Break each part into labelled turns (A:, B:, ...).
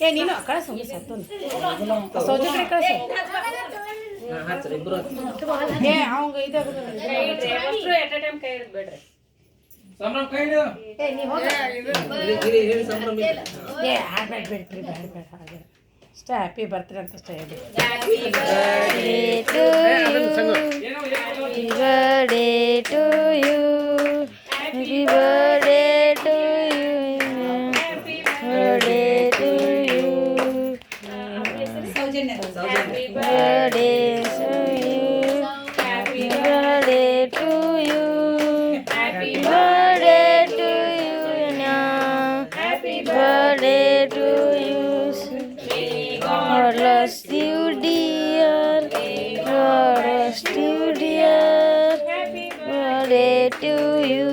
A: ಏ ನೀನು ಕಳಿಸು ಸತ್ತು ಸೌಜಿ ಕಡೆ ಕಳಿಸು ಏ ಅವಂಗ ಇದು ಎಟ್ ಟೈಮ್ ಕೈ ಹಿಡಿದು ಬೇಡ್ರಿ ಸಂಭ್ರಮ ಕೈ ಹಿಡಿದು ಏ ನೀ ಹೋಗ ಸಂಭ್ರಮ ಏ ಹಾಡ್ಬೇಡ ಬೇಡ್ರಿ ಬೇಡ ಹಾಗೆ ಅಷ್ಟೇ ಹ್ಯಾಪಿ ಬರ್ತ್ಡೇ ಅಂತ ಅಷ್ಟೇ ಹೇಳಿ happy birthday to you happy birthday to you happy birthday to you happy birthday to you happy birthday to you happy birthday to you happy birthday to you God bless you dear, God bless you dear, happy birthday to you.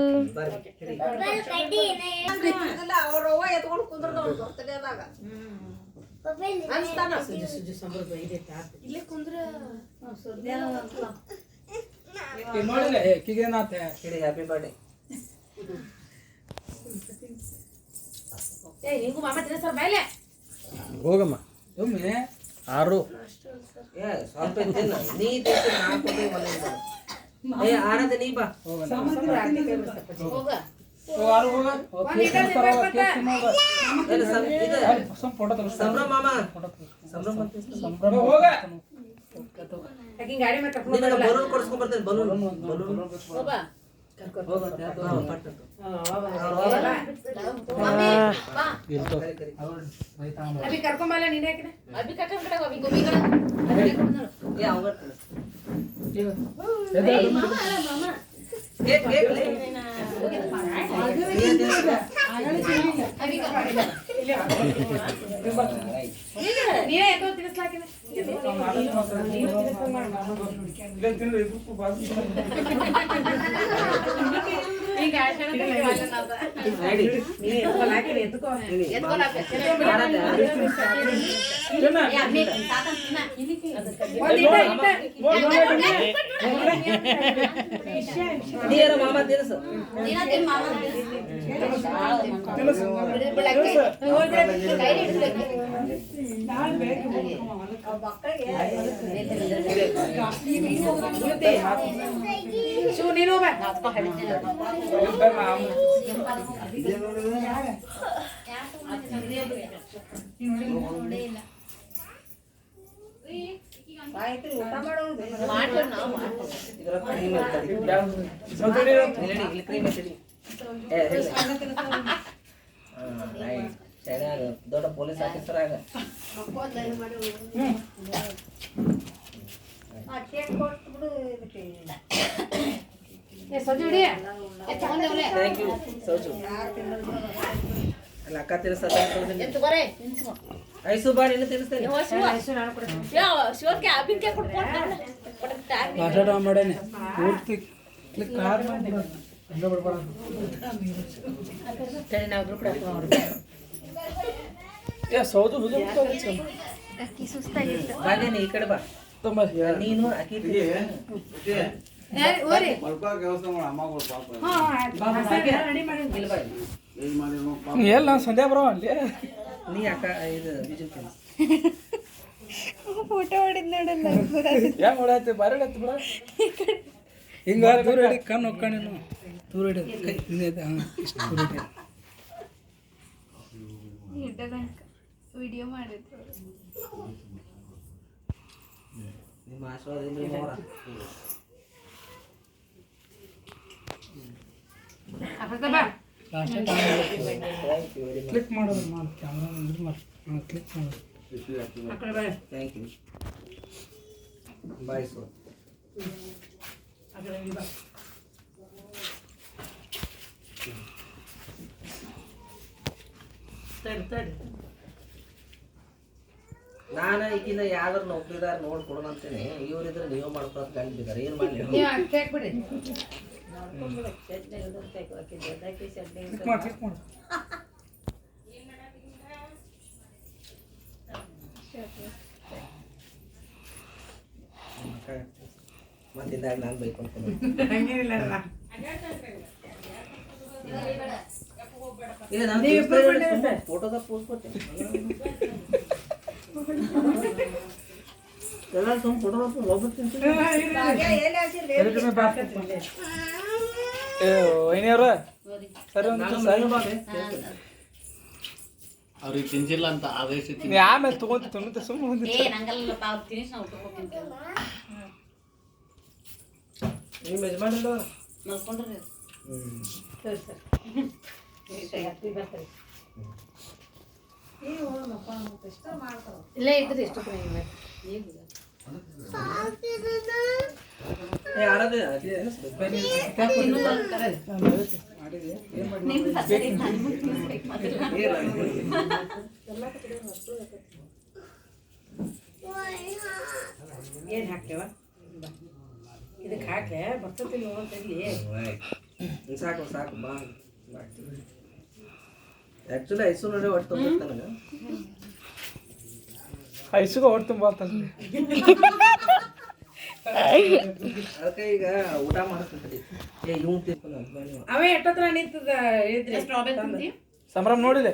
B: Happy birthday.
C: ಹೋಗಮ್ಮ ಒಮ್ಮೆ 6
B: ಸ್ವಲ್ಪ ತಿನ್ನ ನೀ ತಿಂದು ಹಾಕೋದು ಮನೆಯಿಂದ ಏ ಆರದೆ ನೀ ಬಾ
A: ಹೋಗ
B: ಸಂಭ್ರಮ ಮಾಮ ಸಂಭ್ರಮ ಬಲೂನ್ ಕೊಡ್ಸ್ಕೊಂಡ್ ಬರ್ತೇನೆ ಬಲೂನ್
A: ಅಭಿ ಕರ್ಕೊಂಬಲ್ಲ ನೀನೇ ಅಭಿ ಕರ್ಕೊಂಡ್ ಕಡೆ ಅಭಿ ಗೋಬಿ ಕಡೆ
B: ಏ ಅವಂಗ
A: ನೀನೇ ಎತ್ತೋ ತಿನ್ನಿಸ್ಲಾಕಿದೆ ಈಗ
B: ಮಾಮ ತಿನ್ಸು
A: ನೀನು
B: ದೊಡ್ಡ ಪೊಲೀಸ್ ಆಫೀಸರ್ ಆಗ ಥ್ಯಾಂಕ್ ಯು ಸೌಜು ಅಲ್ಲ ಅಕ್ಕ ತಿನ್ನಿಸ್ತಾರೆ ಐಸು ಬಾರಿ ಇನ್ನು ತಿನ್ನಿಸ್ತೇನೆ
C: ಮಾಡೇನೆ ಪೂರ್ತಿ ಕ್ಲಿಕ್ ಸೌದು
B: ಬಾಗೇನಿ ಈ ಕಡೆ ಬಾ ನೀನು ಅಕ್ಕಿ
C: ಎಲ್ಲ ಸಂಧ್ಯಾ ಬರೋ ಅಲ್ಲಿ
B: ನೀ ಅಕ್ಕ ಇದು ಬಿಜು
A: ಫೋಟೋ ಹೊಡಿದ್ ನೋಡಲ್ಲ
C: ಯಾಕೆ ಹೊಡಾಯ್ತು ಬಾರಿ ಹೊಡಾಯ್ತು ಬಿಡ ಹಿಂಗ ದೂರ ಹಿಡಿ ಕಣ್ಣು ಹೋಗ್ಕೊಂಡು ದೂರ ಹಿಡಿ ಕೈ ಇಷ್ಟು ದೂರ ಹಿಡಿ
A: ವಿಡಿಯೋ ಮಾಡಿದ್ರು
B: ನಿಮ್ಮ ಆಶೀರ್ವಾದದಿಂದ ನೋಡ
C: ಕ್ಲಿಕ್ ಮಾಡೋದು ಮಾಡಿ ಕ್ಯಾಮ್ರಾ ಇದು ಮಾಡಿ ಕ್ಲಿಕ್ ಮಾಡೋದು
B: ಥ್ಯಾಂಕ್ ಯು ಬಾಯ್ ಸರ್ ನಾನು ಈಗಿನ ಯಾವ್ದಾರು ನೌಕರಿದಾರ ನೋಡ್ಕೊಡೋಣ ಅಂತೇನೆ ಇವರಿದ್ರೆ ನೀವು ಮಾಡ್ಕೊಳಕ್ ಗಂಟಿದ್ದಾರೆ ಏನು ಮಾಡಲಿ ಮತ್ತಿದ್ದಾಗ ನಾನು ಬೈಕೊಂಡು ಫೋಟೋದಾಗ ಪೋಸ್ ಕೊಟ್ಟೆ ಎಲ್ಲ ಸುಮ್ಮ ಫೋಟೋ ಹೋಗ್ಬಿಡ್ತೀನಿ
C: ವೈನಿಯವ್ರ ಸರಿ
D: ಅವ್ರಿಗೆ ತಿನ್ಸಿಲ್ಲ ಅಂತ ಆದೇಶ
C: ನೀ ಆಮೇಲೆ ತೊಗೊಂತ ಸುಮ್ಮನೆ
B: ನಿಮ್ಮ ಯಜಮಾನಿಲ್ಲ
A: ಇಲ್ಲೇ ಇದ್ರಿ ಎಷ್ಟು
B: ಯಾರದೇ
A: ಏನು ಹಾಕ್ತೇವ ಇದಕ್ಕೆ ಹಾಕ್ಲೆ ಬರ್ತತಿ ನೋಡ್ತಿರ್ಲಿ
B: ಸಾಕು ಸಾಕು ಬಾ ಆ್ಯಕ್ಚುಲಿ ಐಸು ನೋಡಿ ಒಟ್ಟು ನನಗೆ
C: ಐಸುಗ ಹೊಟ್ಟು ತುಂಬ ಅಂತಂದ್ರೆ
B: ಅದಕ್ಕೆ ಈಗ ಊಟ ಮಾಡಿಸ್ತೀನಿ ಇವ್ ತಿಳ್ಕೊಂಡು
A: ಅವೇ ಎಷ್ಟೊತ್ತರ ನಿಂತದ ಇದ್ರಿ
C: ಸಂಭ್ರಮ ನೋಡಿದೆ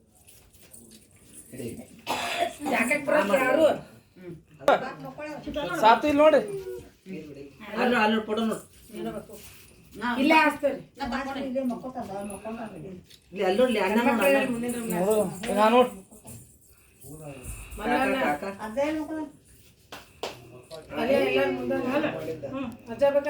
A: ಜಾಕೆಟ್ ಬರೋದು ಯಾರು
C: ಸಾತು ಇಲ್ಲಿ ನೋಡಿ
B: ಅಲ್ಲಿ ಅಲ್ಲಿ ಫೋಟೋ ನೋಡಿ
A: ಇಲ್ಲೇ ಹಾಸ್ತೀರಿ
B: ಇಲ್ಲಿ ಅಲ್ಲಿ ನೋಡ್ಲಿ ಅಣ್ಣ
C: ನೋಡು ನಾ ನೋಡು
B: ಕಾಕ
A: ಅಲ್ಲೇ ಎಲ್ಲ ಮುಂದೆ ಅಜ್ಜ ಬೇಕಾ